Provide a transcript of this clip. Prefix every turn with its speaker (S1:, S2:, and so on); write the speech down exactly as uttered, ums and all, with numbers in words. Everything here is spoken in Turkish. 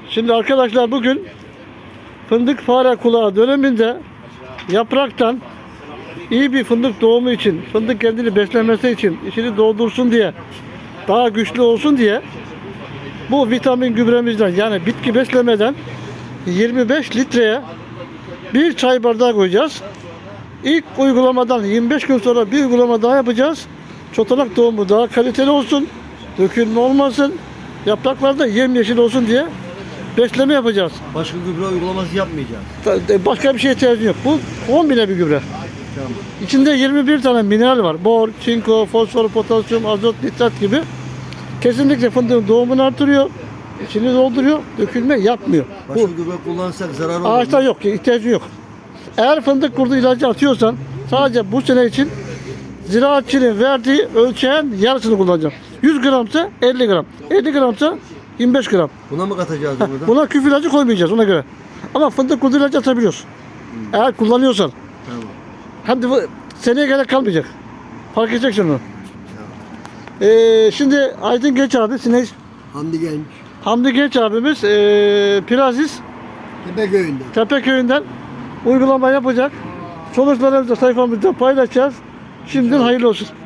S1: Şimdi arkadaşlar bugün fındık fare kulağı döneminde yapraktan iyi bir fındık doğumu için, fındık kendini beslemesi için, içini doldursun diye, daha güçlü olsun diye bu vitamin gübremizden, yani bitki beslemeden yirmi beş litreye bir çay bardağı koyacağız. İlk uygulamadan yirmi beş gün sonra bir uygulama daha yapacağız. Çotanak tohumu daha kaliteli olsun, dökülme olmasın, yapraklar da yemyeşil olsun diye besleme yapacağız.
S2: Başka gübre uygulaması yapmayacağız.
S1: Başka bir şeye ihtiyacın yok. Bu kombine bir gübre.
S2: Tamam.
S1: İçinde yirmi bir tane mineral var. Bor, çinko, fosfor, potasyum, azot, nitrat gibi. Kesinlikle fındığın doğumunu artırıyor. İçini dolduruyor. Dökülme yapmıyor.
S2: Başka
S1: Bu
S2: gübre kullansak zarar olur
S1: ağaçta
S2: mu?
S1: yok. ihtiyacı yok. Eğer fındık kurdu ilacı atıyorsan sadece bu sene için ziraatçının verdiği ölçeğin yarısını kullanacaksın. yüz gramsa elli gram. elli gramsa yirmi beş gram.
S2: Buna mı katacağız bunu da?
S1: Buna küf ilacı koymayacağız ona göre. Ama fındık kurdu ilacı atabiliyorsun. Eğer kullanıyorsan.
S2: Tamam.
S1: Hadi bu seneye gerek kalmayacak. Fark edeceksin onu. Ee, şimdi Aydın Genç abi, Sinek,
S2: Hamdi Genç.
S1: Hamdi Genç abimiz ee, Piraziz
S2: Tepeköy'ünde.
S1: Tepeköy'ünden uygulama yapacak. Sonuçlarımızı da sayfamızda paylaşacağız. Şimdiden hayırlı olsun.